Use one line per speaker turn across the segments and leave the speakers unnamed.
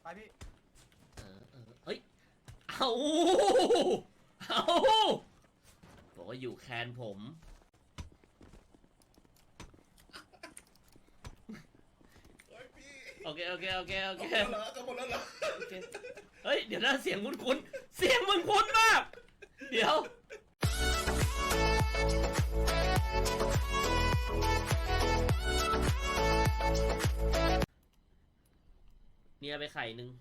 ไปพี่
เฮ้ยเอาบอกว่าอยู่แคนผมโอเค
จะหมดแล้วเหรอ
โอเคเฮ้ยเดี๋ยวนะเสียงคุ้นเสียงมึงคุ้นมากเดี๋ยวเนียไปไข่หนึ่ง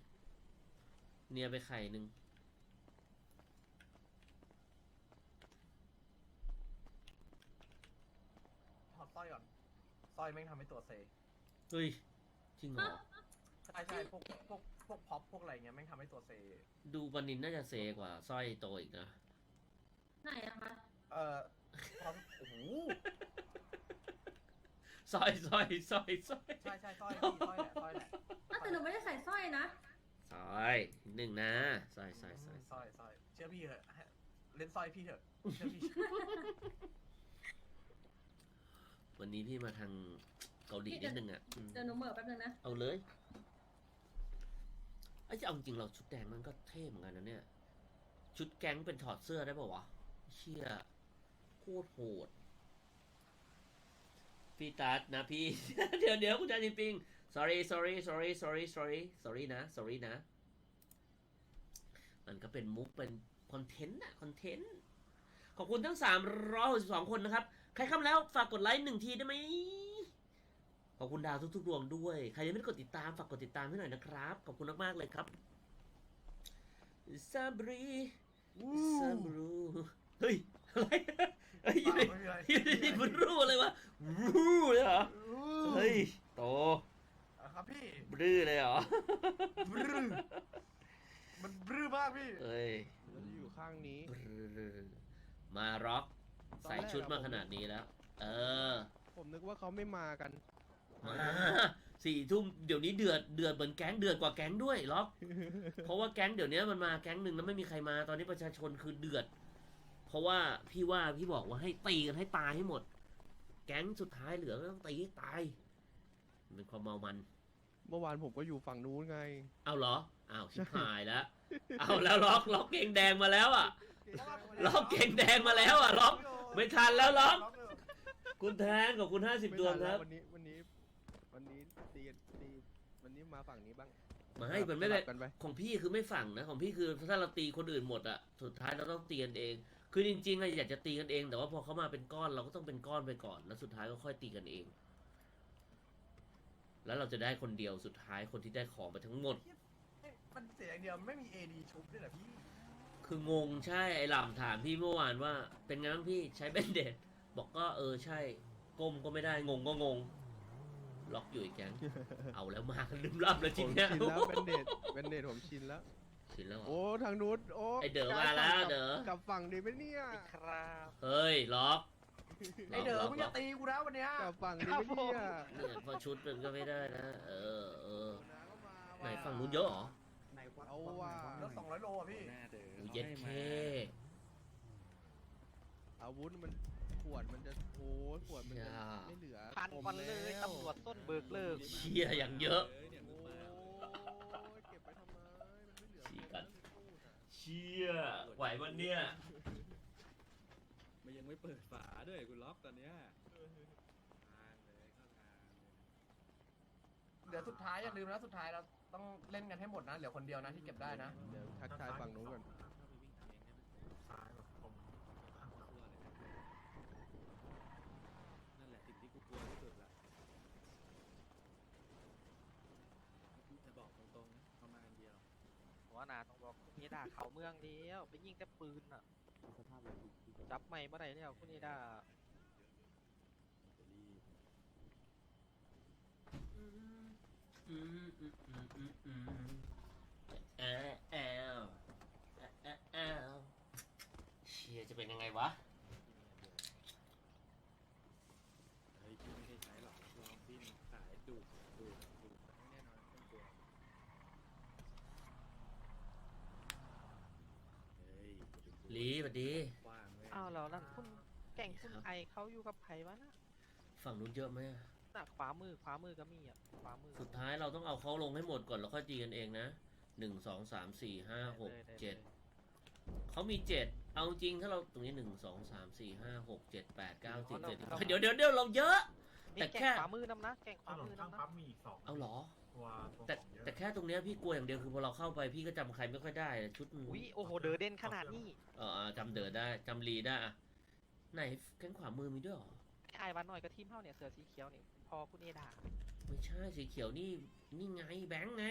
ถอดสร้อยก่อนสร้อยแม่งทำให้ตัวเซ
เฮ้ยจริงเหรอ
ใช่พวกพ็อปพวกอะไรเงี้ยแม่งทำให้ตัวเซ
ดูปนินน่าจะเซกว่าสร้อยโตอีกนะ
ไหนอะคะ
พ็อปโอ้โห
สร้อย
ใช่สร้อยพี่สร้อยแหละสร้อยแหละ
แต่หนูไม่ได้ใส่สร้อยนะ
สร้อยหนึ่งนะสร้อย
สร้อยเชื่อพี่เถอะเล่นสร้อยพี่เถอะเชื่อพี่
วันนี้พี่มาทางเกาหลีนิดนึงอ่ะ
เดี๋ยวหนูเหม่อแป๊บนึงนะ
เอาเลยไอ้จะเอาจริงเราชุดแดงมันก็เท่เหมือนกันนะเนี่ยชุดแก๊งเป็นถอดเสื้อได้ป่าวะเชี่ยโคตรโหดพี่ตัดนะพี่ เดี๋ยวคุณจ่าจินปิง sorry นะ มันก็เป็นมุกเป็นคอนเทนต์ขอบคุณทั้ง362คนนะครับใครเข้ามาแล้วฝากกดไลค์1ทีได้ไหมขอบคุณดาวทุกๆดวงด้วยใครยังไม่ได้กดติดตามฝากกดติดตามให้หน่อยนะครับขอบคุณมากๆเลยครับซาบรีเฮ้ยอะไรเฮ้ยนี่มันรู้เลยวะรู้เลยเหรอเฮ้ยโต
ครับพี่
บรื้อเลยเหรอ
บรื้อมันบรื้อมากพี่
เอ้ย
เราจะอยู่ข้างนี้
มาร็อกใส่ชุดมาขนาดนี้แล้ว
ผมนึกว่าเขาไม่มากัน
มา4 ทุ่มเดี๋ยวนี้เดือดเหมือนแก๊งเดือดกว่าแก๊งด้วยล็อก เพราะว่าแก๊งเดี๋ยวนี้มันมาแก๊งหนึ่งแล้วไม่มีใครมาตอนนี้ประชาชนคือเดือด เพราะว่าพี่บอกว่าให้ตีกันให้ตายให้หมด แก๊งสุดท้ายเหลือก็ต้องตีให้ตายมันเป็นความเมามัน
เมื่อวานผมก็อยู่ฝั่งนู้นไง
เอาเหรออ้าวชิบหายแล้วเอาแล้วล็อกเกงแดงมาแล้วอ่ะล็อกเกงแดงมาแล้วอ่ะล็อกไม่ทันแล้วล็อกคุณแทนกับคุณ50 ดวงครับ
วันนี้ตีวันนี้มาฝั่งนี้บ้าง
มาให้มันไม่ได้
สลับกันไป
ของพี่คือไม่ฝั่งนะของพี่คือถ้าเราตีคนอื่นหมดอ่ะสุดท้ายเราต้องตีกันเอง คือจริงๆอะอยากจะตีกันเอง แต่ว่าพอเขามาเป็นก้อนเราก็ต้องเป็นก้อนไปก่อนแล้วสุดท้ายก็ค่อยตีกันเอง แล้วเราจะได้คนเดียวสุดท้ายคนที่ได้ของไปทั้งหมด
มันเสียอย่างเดียวไม่มีเอดีชุบด้วยเหรอพี่
คืองงใช่ไอ้หล่ำถามพี่เมื่อวานว่าเป็นไงบ้างพี่ใช้เบนเดดบอกก็ใช่ก้มก็ไม่ได้งงก็งงล็อกอยู่อีกแก๊ง เอาแล้วมากันลืมล่ำเลย
ผ
ที
ม
เนี้ย
ชินแล้วเป็นเดทผมชินแล้ว
ชินแล้วเหรอ
โอ้ทางนู้นโอ้
ไอ้เด๋อมาแล้วเด๋อ
กลับฝั่งดีไหมเนี่ย
ครับ
เฮ้ยล็อก
ไอเด๋อมึงจะตีกูนะวันเนี้ย
กลับฝั่งดีไหมเนี่ย
เนี่ยพอชุดมันก็ไม่ได้นะไหนฝั่งนู้นเยอะเหรอ
เอาว่า
รถ200 โลอ่ะพี่
อูเย็ดเค
อาวุธมันขวดมันจะโอ้ขวดมันจะไม่เหลือ
ผ่านวันเลยตำรวจต้นเบิกเลิก
เชี่ยอย่างเยอะ
โอ้ยเก็บไปทำไมมันไม่เหลือ
ฉีกกัน เชี่ยไหววันเนี้ย
มันยังไม่เปิดฝาด้วยคุณล็อกตอนเนี้ยทางเลยเข้าทาง
เดี๋ยวสุดท้ายอย่าลืมนะสุดท้ายเราต้องเล่นกันให้หมดนะเหลือคนเดียวนะที่เก็บได้นะ
เดี๋ยวทักทายฝั่งนู้นก่อน
เข้าไปวิ่งทางเองได้ไหม
ซ้ายผม
กลัวเลยนะนั่นแหละสิ่งที่กูกลัวที่สุดละจะบอกตรงๆนะประมาณเดียว
หัวหน้าต้องบอกคุณเอดาเขาเมืองเดียวไปยิงแต่ปืนอ่ะจับไม่เมื่อไหร่แล้วคุณเอดา
เชี่ยจะเป็นยังไงวะ
เฮ้ยพี่ไม่ได้ใช้หรอกลองพี่สายดูดแน่นอนต้องกลัวเฮ้ยอย่าไปกลัว
ลีสวัสดี
กว้างเว้ย
อ้าวแล้วนั่นคุณแก่งคุณไอเขาอยู่กับไผ่วะนะ
ฝั่งนู้นเยอะไหม
น่ะขวามือก็มีอ่ะขวามือ
สุดท้ายเราต้องเอาเขาลงให้หมดก่อนแล้วค่อยตีกันเองนะ1 2 3 4 5 6
ได้
7เขามี7เอาจริงถ้าเราตรงนี้1 2 3 4 5 6 7 8 9 10 11เดี๋ยวเราเยอะ
นี่
แต่
แก
แค่
งขวามือนำนะแกงข
ถ
วาน มื
น
อ
ข้าง
นำนะ
ปั๊มมีอีก2
เอาเหรอ
ตัวของ
แต่
เยอะ
แต่แค่ตรงเนี้ยพี่กลัวอย่างเดียวคือพอเราเข้าไปพี่ก็จำใครไม่ค่อยได้ชุด
อุ้ยโอ้โหเดอเด่นขนาดนี้
จำเดินได้จำลีได้อะไหนแข้งขวามือมีด้วยเหรอ
ไอ้วันหน่อยก็ทีมเท่าเนี่ยเสือสีเขียวนี่พอคุณเอดา
ไม่ใช่สีเขียวนี่ไงแบงค์ไง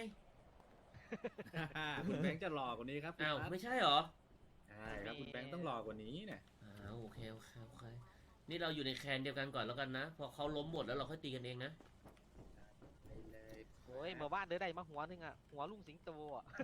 คุณแบงค์จะหล่อกว่านี้ครับคุณ
อ้าว
พัด
ไม่ใช่เหรอ
ใช่ครับคุณแบงค์ต้องหล่อกว่านี้เนี่ย
โอเคนี่เราอยู่ในแคนเดียวกันก่อนแล้วกันนะพอเขาล้มหมดแล้วเราค่อยตีกันเองนะ
โอ้ยเมื่อวานเดอได้มาหัวนึงอ่ะหัวลุงสิงโตอ่ะ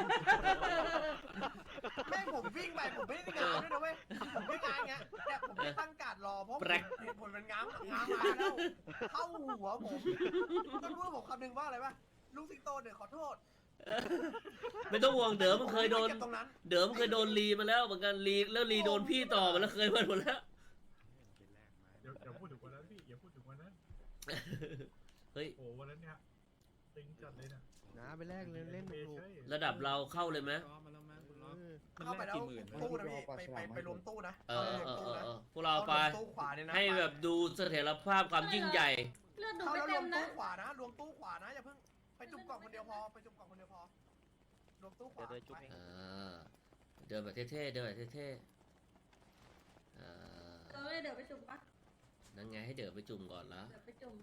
แม่งผมวิ่งไปผมไม่ได้ง้างด้วยนะเว้ยผมไม่ง้างเงี้ยแต่ผมไม่ตั้งการรอเพราะผลมันง้างมาแล้วเข้าหัวผมก็พูดผมคำนึงว่าอะไรวะลูกสิงโตเนี่ยขอโทษ
ไม่ต้องห่วงเดิมมันเคยโดน
ก็บตรงนั้น
เดิมเคยโดนลีมาแล้วเหมือนกันลีแล้วลีโดนพี่ต่อมาแล้วเคยมาหมดแล้ว
เดี๋ยวพูดถึงวันนั้นพี่อย่าพูดถึงวันนั้น
เฮ้ย
โอ้วันนั้นเนี่ยตึงจัดเลยนะ
นะไปแรกเล่นถูก
ระดับเราเข้าเลยไหม
รอมาแล้วมั้งคุณล็อก มัน
เข้าไป
แลก
แล้ว
กี่หมื่นวะ
ตู้นะพี่ไปรวมตู้นะ
พวกเราไป
ตู้ขวาเนี่ยนะ
ให้แบบดูเสถียรภาพความยิ่งใหญ่
เลือดหนู
เข้า
ไม่
แล้วร
เต็
ว
ม
ม
นะ
ตู้ขวานะรวมตู้ขวานะอย่าเพิ่งไปจุ่มกล่องคนเดียวพอไปจุ่มกล่องคนเดียวพอรวมตู้ขวา
เดี๋ยวจุ๊บเอง
เดินแบบเท่ๆเดินแบบเท่ๆ
เดี๋ยวไปจุ่มปะ
นั่นไงให้เดินไปจุ่มก่อนละ
เดี๋ยวไปจุ่ม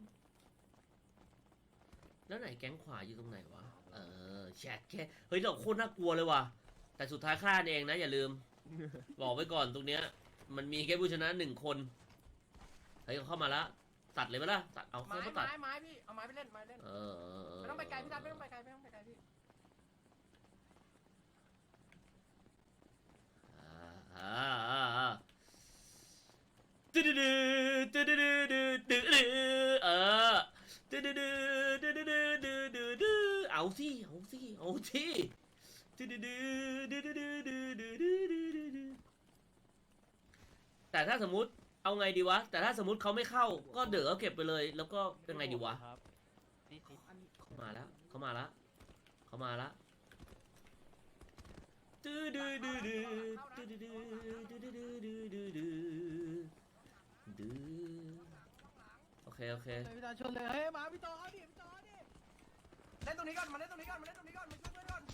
แล้วไหนแก๊งขวาอยู่ตรงไหนวะแชทแค่เฮ้ยเราโคตรน่ากลัวเลยว่ะแต่สุดท้ายฆ่าเองนะอย่าลืม บอกไว้ก่อนตรงเนี้ยมันมีแค่ผู้ชนะ1 คนเฮ้ยเข้ามาละตัดเลยไหมล่ะตัดเอา
ไม้
เข้ามาตัด
ไม้พี่เอาไม้ไปเล่นไม้เล่นไม่ต้องไปไกลพี่ทัศน์ไม่ต้องไปไกลไม่ต้องไปไกลพี่
ตึ๊ดตึ๊ดตึ๊ดตึ๊ดตึ๊ดตึ๊ดตึ๊ดตึ๊ดตึ๊ดตึ๊ดตึ๊ดเอาสิตึ๊ดตึ๊ดตึ๊ดตึ๊ดตึ๊ดแต่ถ้าสมมุติเอาไงดีวะแต่ถ้าสมมุติเขาไม่เข้าก็เดี๋ยวเก็บไปเลยแล้วก็เป็นไงดีวะ
นี่
เขามาแล้วตึ๊ดตึ๊ดตึ๊ดตึ๊ดตึ๊ดตึ๊ดตึ๊ดตึ๊ดตึ๊ดโอเค
พี่ตาชนเลยเฮ้ยมาพี่ต่อดิ
เล่นตรงนี้ก่อนมาเล่นตรงนี้ก่อนมาช่วยเพื่อนก่อน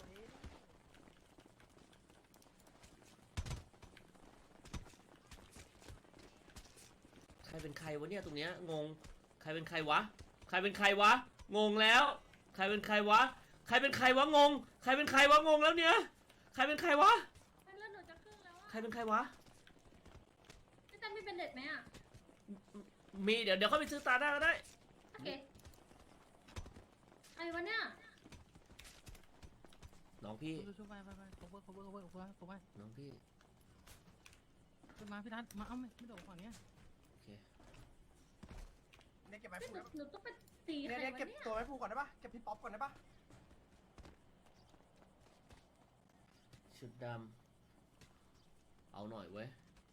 ใครเป็นใครวะเนี่ยตรงเนี้ยงงใครเป็นใครวะงงแล้วใครเป็นใครวะงงใครเป็นใครวะงงแล้วเนี่ยใครเป็นใครวะ
เลือดหนูจะครึ่งแล้ว
ใคร
อะ
เป็นใครวะ
พี่ตั้มมีเป็นเด็ดไหมอะ
มีเดี๋ยวเข้าไปซื้อตาหน้าก็ได้
โอเคไอ้วะเนี่ย
น้องพี่
ช่วยไปผมไป
น้องพี่
ขึ้นมาพี่ทัศน์มาเอ้าไม่โดดฝั่งเนี้ย
โอเค
เนี่ยเก็บไม้
ห
ผู
นูต้องไปตีใคร
เนี่ยว
ะ
เก็บ
เนี่ย
ตัวไม้ผูก่อนได้ปะเก็บพี่ป๊อปก่อนได้ปะ
ชุดดำเอาหน่อยเว้ย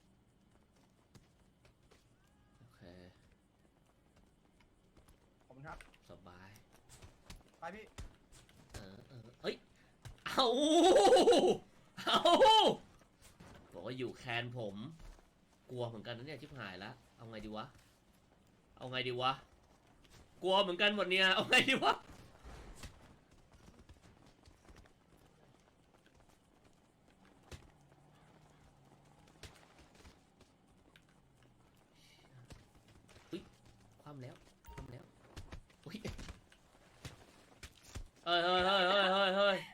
โอเค
ผมครับ
สบาย
ไปพี่
เฮ้ยเอาบอกว่าอยู่แคนผมกลัวเหมือนกันนะเนี่ยชิบหายแล้วเอาไงดีวะกลัวเหมือนกันหมดเนี่ยเอาไงดีวะความแล้วอุ้ยเฮ้ย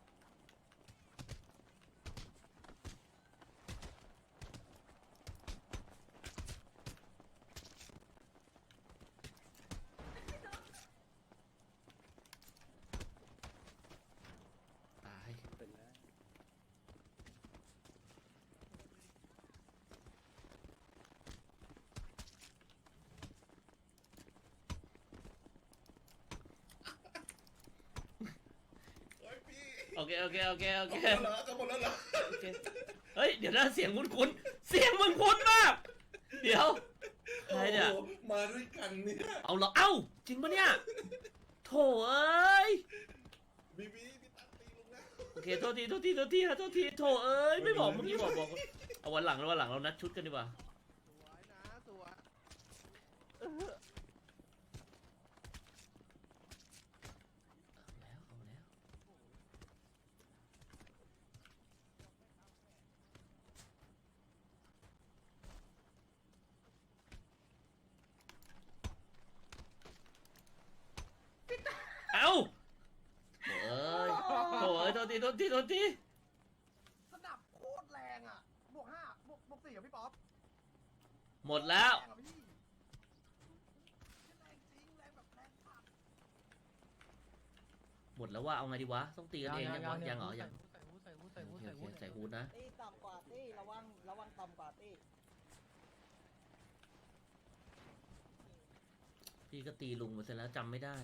ตาย
เป็นแล้ว
โอเค
หมดแล้วเหรอ
โอเคเฮ้ยเดี๋ยวนะเสียงคุ้นๆเสียงมึงคุ้นมากเดี๋ยวใครเนี่ย
โอ้โหมาด้วยกันเนี่ย
เอาเหรอ เอ้า จริงปะเนี่ย โถเอ้ย
บีบีพี่ตั๊กตีลุงแล้ว
โอเค โทษทีฮะ โทษทีโถเอ้ย ไม่บอกเมื่อกี้บอกเอาวันหลังเรานัดชุดกันดีกว่า
สวยนะสวย
เอาแล้วเอาโถเอ้ยโทษที
สนับโคตรแรงอ่ะบวก5บวก4อ่ะพี่ป๊อป
หมดแล้ว
แรงอ่ะพี่แรงจริงแรงแบบแรงสัตว์
หมดแล้วว่าเอาไงดีวะ ต้องตีกันเองยังเหรอยังโอเคใส่ฮูดนะ
ตีต่ำกว่าตีระวังต่ำกว่าตี
พี่ก็ตีลุงมาเสร็จแล้วจำไม่ได้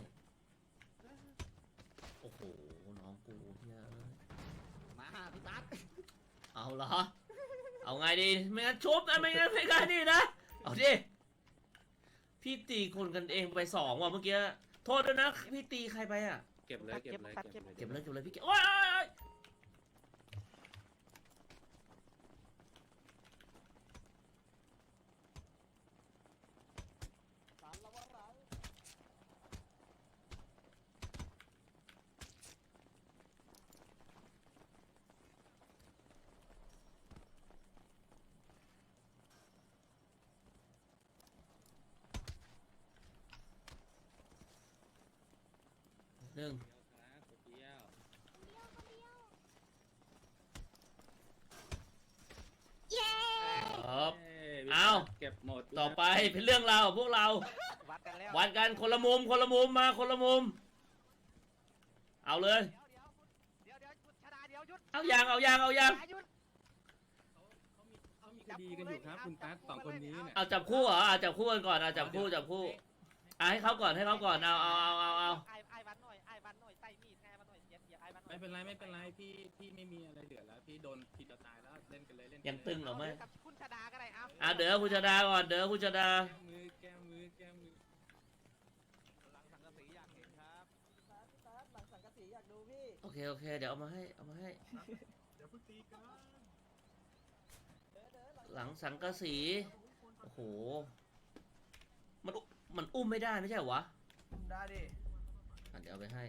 โอ้โห น้องกูเฮียเอ้ย
มาพี่ตั๊ด
เอาเหรอ เอาไงดี ไม่งั้นชุบนะไม่งั้นนี่นะ เอาดิ พี่ตีคนกันเองไป2ว่ะเมื่อกี้ โทษด้วยนะ พี่ตีใครไปอ่ะ
เก็บเลย
เก็บเลยพี่เก็บโอ๊ย
สารระวังหลัง
หนึ่ง ครับ เอา
เก็บหมด
ต่อไปเป็นเรื่องราวของพวกเรา
วัดกันแล้ว
วัดกันคนละมุมมาคนละมุม เอาเลย
เดี๋ยวหยุดชนะเดี๋ยวหยุด
เอายัง
หยุด
เขามีคดีกันอยู่ครับคุณตั๊กสองคนนี้เนี่ย
เอาจับคู่เหรอจับคู่กันก่อนจับคู่ให้เขาก่อนเอา
ไอ้วันหน่อยใส่มีดไอ้วันหน่อยเสียไอ้วันหน่อย
ไม่เป็นไรพี่ไม่มีอะไรเหลือแล้วพี่โดนทีเดียวตายแล้วเล่นกันเลยเล่น
ยังตึงเหรอไม่
กับคุณชนะก็ได้เอา
เดี๋ยวคุณชดาก่อนเดี๋ยวคุณชดา
แก้มือ
หลังสังกะสีอยากเห็นครับ
พี่ตั๊ดหลังสังกะสีอยากดูพี่
โอเคเดี๋ยวเอามาให้
เดี๋ยวเพิ่งตีกัน
หลังสังกะสีโอ้โหมันอุ้มไม่ได้ไม่ใช่เหรอวะ
ได้ดิ
เดี๋ยวเอาไปให้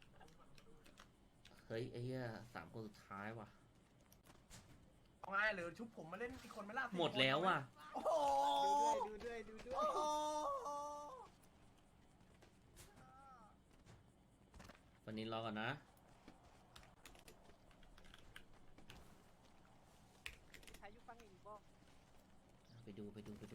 เฮ้ยไอ้เหี้ย3 คนสุดท้ายว่ะ
เอาไงหรือชุบผมมาเล่นอีกคนไม่ล่า
หมดแล้วว่ะ
โอ้โห
ดูด้วย
โอ้โห
วันนี้รอก่อนนะ
ใครยุบฟังอีกบ่
ไปดู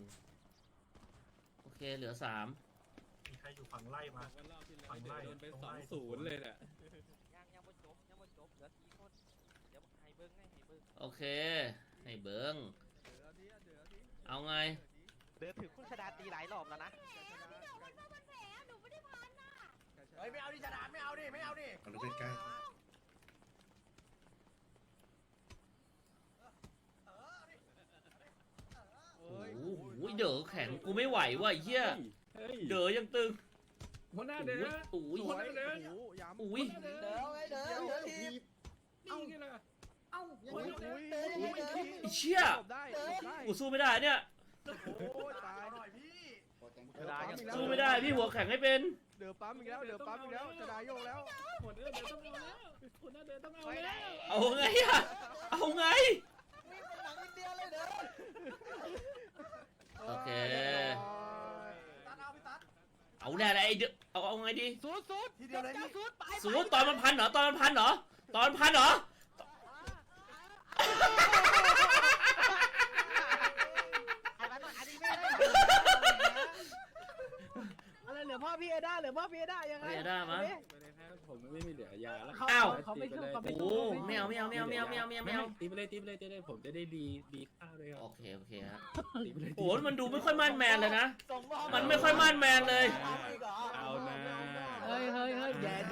โอเคเหลือ3
มีใครอยู่ฝั่งไล่มา
วันรอบที่แล้วโดนไป2-0เลยแหละ
ยังบ่จบเหลือ4คนเดี๋ยวให้เบิ้ง
โอเคให้เบิ้งเอาไง
เดือดถึงคุณชนะตีหลายรอบแล้วนะ
เฮ้ยไม่เอาดิชนะไม่เอาดิ
เอาดูใกล้
โอ้โหเด๋อแข็งกูไม่ไหวว่ะไอ้เหี้ย
เฮ้ย
เด๋อยังตึง
หัวหน้าเด้อ
อุ้ย
หัวหน้าเด้อ
โอ้โหย้ำ
อุ้ย
เด้อไว้เด้อที
นี่ไงล่ะ
ยังไม่เด้อ
ไอ้เชี่ย
จบได้
กูสู้ไม่ได้เนี่ย
โอ้ยตาย
หน่อยพี่
สู้ไม่ได้พี่หัวแข็งไม่เป็น
เดือปั๊มอีกแล้วจะได้โยกแล้ว
หัวหน้าเด้อต้องเอาแล้วหัวหน้าเด้อต้องเอาแล้ว
เอาไงอะเอาไง
วิ่งเป็นหนังอินเดียเลยเด้อ
โอเค
ตัดเอาพี่ตัด
เอาแน่เลยไอ้เด๋อเอาไงดี
สุด
ทีเดียวเลยพี่
สู้ตอนมันพันเหรอตอนมันพันเหรอ
ไอ้วันหน่อยอันนี้ไม่ได้
อะไรเหลือพ่อพี่เอด้ายังไง
เฮ้ยได้มั้ย
ไม่ได้แพ้ผมไม่มีเหลือยาแล้ว
อ้าว
เขาไม่สู้
โอ้ไม่เอา
ตีไปเลยผมจะได้ดีข้าวด้วยครับ
โอเคฮะ
ตีไปเลย
โอ้มันดูไม่ค่อยมั่นแมนเลยนะ
ส่งมอบ
มันไม่ค่อยมั่นแมนเลย
เอานะ
เฮ้ยแย่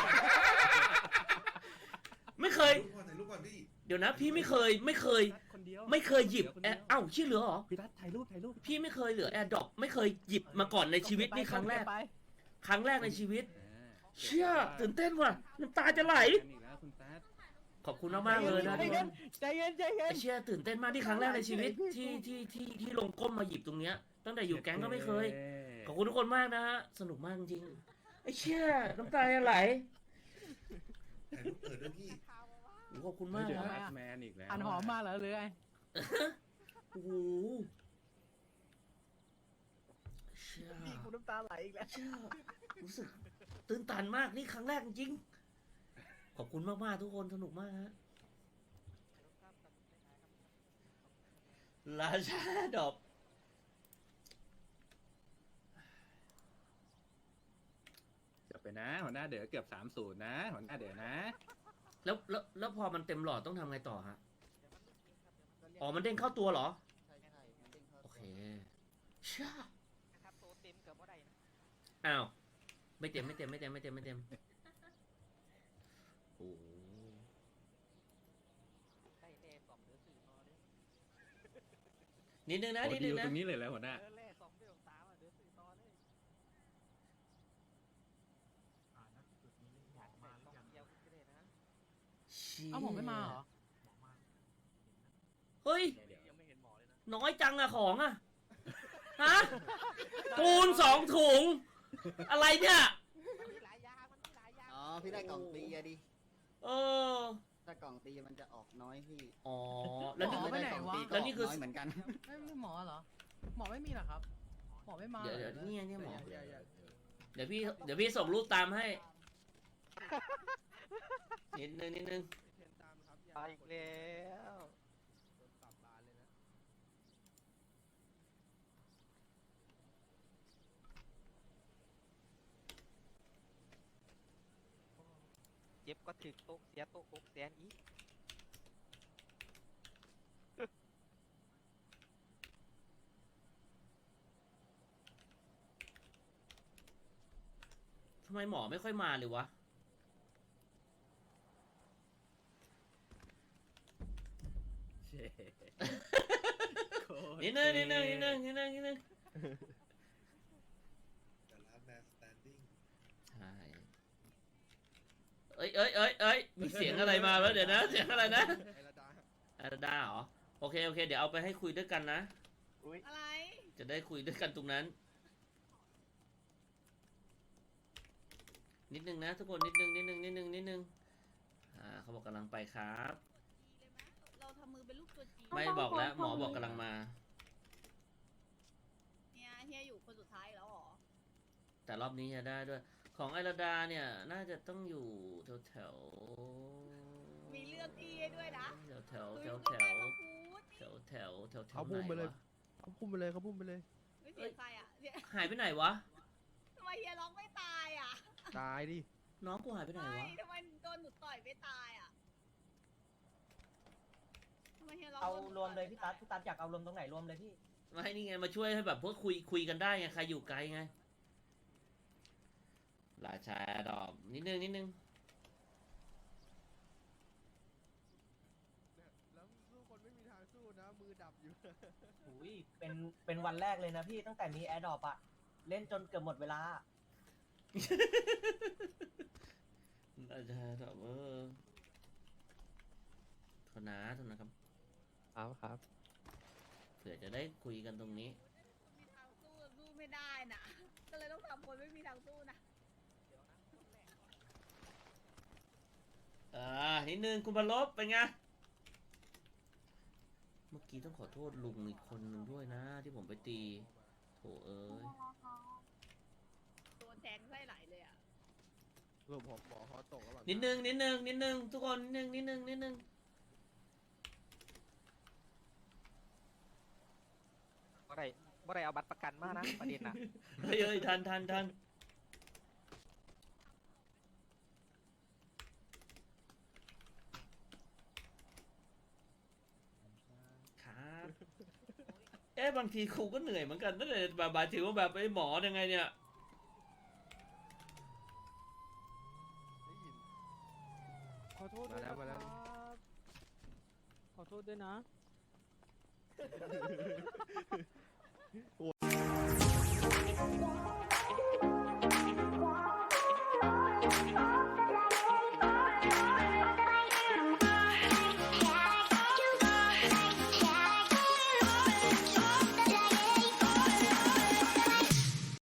ไม่เคย
ๆถ่ายรูปก่อนดิ
เดี๋ยวนะพี่ไม่เคย
คนเดียว
ไม่เคยหยิบเอ้าชื่อเหลือเหรอ
พี่ทัศน์ถ่ายรูปถ่ายรูป
พี่ไม่เคยเหลือแอร์ดรอปไม่เคยหยิบมาก่อนในชีวิตนี่ครั้งแรก ครั้งแรกในชีวิต เชี่ยตื่นเต้นว่ะน้ำตาจะไหล
อีกแล้วคุณแซด
ขอบคุณมากๆเลยนะทุกคน
ใจเย็นใจเย็
ไอ้
น
เชี่ยตื่นเต้นมากที่ครั้งแรกในชีวิตที่ลงก้มมาหยิบตรงเนี้ยตั้งแต่อยู่แก๊งก็ไม่เคย ขอบคุณทุกคนมากนะฮะสนุกมากจริงไอ้เชี่ยน้ำตาจะไหล
ถ่ายรูปเปิดด้วยพี่
โอ้ขอบคุณมาก
เดี๋ยว
นะ
แอดแมนอีกแล้ว
อันหอมมาเหรอหรือไง
โอ้โหเชี่ย
พี่กูน้ำตาไหลอีกแล้ว
เชี่ยรู้สึกตื่นตันมากนี่ครั้งแรกจริงขอบคุณมากๆทุกคนสนุกมากฮะราชาดอก
จบไปนะหัวหน้าเด๋อเกือบ30นะหัวหน้าเด๋อนะ
แล้วพอมันเต็มหลอดต้องทำไงต่อฮะอ๋อมันเด้งเข้าตัวเหรอโอเคเชี่ย
นะครับโตเต็มเกือบบ่ได้นะ
อ้าวไม่เต็มโอ้โห
ได้แน่2เดือน4ต่อเด้อ
นิดนึงนะ
โอ้
นิด
ดี
นึง
ล
นะ
ตรงนี้เลยแล้วหัวหน้า
เดือนแรก2เดือน3อ่ะเดือน4ต่อเลย
นะจุดนี้หมอมาหรือยัง
เดียวก็ได้นะ
เชี่ย
เอ้าผมไม่มาเหรอ
หมอมา
เฮ้ย
ยังไม่เห็นหมอเลยนะ
น้อยจังอะของอะฮะปูน2 ถุง อะไรเนี่ย
มันมีหลายอย่างมันมีหลายอย่าง
อ๋อ พี่ได้กล่องตีอะดิ
เออ
ถ้ากล่องตีมันจะออกน้อยพี่
อ๋อ แล้วนี่
หมอไปไหนวะ
แล้วนี่คือ
น้อยเหมือนกัน
ไม่มีหมอเหรอ หมอไม่มีเหรอครับ หมอไม่มา
เดี๋ยวเนี่ยหมอ
อย่า
เดี๋ยวพี่ส่งรูปตามให้ นิดนึง
เทียนตามครับอย่า
ไปอีกแล้ว
โดนปรับบานเลยนะ
เจ็บก็ถึกโต๊ะเสียโต๊ะ6แสนอีก
ทำไมหมอไม่ค่อยมาเลยวะ
เช่
นิดนึง
แต่ละแมนสแตนดิ้ง
ใช่เอ้ย มีเสียงอะไรมาแล้วเดี๋ยวนะ เสียงอะไรนะ
ไอระดา
อาราดาเหรอ โอเค เดี๋ยวเอาไปให้คุยด้วยกันนะ
อะไร
จะได้คุยด้วยกันตรงนั้น นิดนึงนะทุกคน นิดนึงเขาบอกกำลังไปครับ
เราทำมือเป็นลูกตัวจี
ไม่บอกแล้ว หมอบอกกำลังมา
เนี่ยเฮียอยู่คนสุดท้ายแล้วหรอ
แต่รอบนี้จะได้ด้วย ของไอราดาเนี่ย น่าจะต้องอยู่แถว
มีเลือกที่ให้ด้วยนะ
แถว
คุย
แถ
กับ
ว
แม่มาพูด
เขาพุ่มไป
ไหน
เลยว
ะ
เขาพุ่มไปเลยเขาพุ่มไปเลย
ไม่เสียใครอ่ะเนี่ย
หายไปไหนวะ
ทำไมเฮียร้องไม่ตายอ่ะ
ตายดิ
น้องกูหายไปไหน
ไม่
วะ
ทำไมโดนหนูต่อยไม่ตายอ่ะทำไมเฮียร้อง
เอารวมเลยพี่ตั๊ดอยากเอารวมตรงไหนรวมเลยพี่
ไม่นี่ไงมาช่วยให้แบบพวกคุยกันได้ไงใครอยู่ไกลไง ราชาดอกนิดนึง
แล้วสู้คนไม่มีทางสู้นะ มือดับอยู่
อุ้ยเป็นวันแรกเลยนะพี่ตั้งแต่มีแอร์ดรอปอะเล่นจนเกือบหมดเวลา
ราชาดอกโทษนะครับ
ครับ
เผื่อจะได้คุยกันตรงนี้
มีทางสู้สู้ไม่ได้นะก็เลยต้องทำคนไม่มีทางสู้นะ
นิดนึงคุณบรรลบเป็นไง เมื่อกี้ต้องขอโทษลุงอีกคนหนึ่งด้วยนะ ที่ผมไปตีโถเอ้ย
โดนแทงไส้ไหลเลยอ่ะ
รวมหมอเขาตกแล้วหรอ
นิดนึงทุกคนนิดนึง
บ่ได้เอาบัตรประกันมานะประเด็นน่ะ
เฮ้ยทันครับบางทีครูก็เหนื่อยเหมือนกันนั่นแหละบาถือว่าแบบไอ้หมอยังไงเนี่ย
ได้ยิน
ขอโทษด้วย
มาแล้ว
ขอโทษด้วยนะ
โห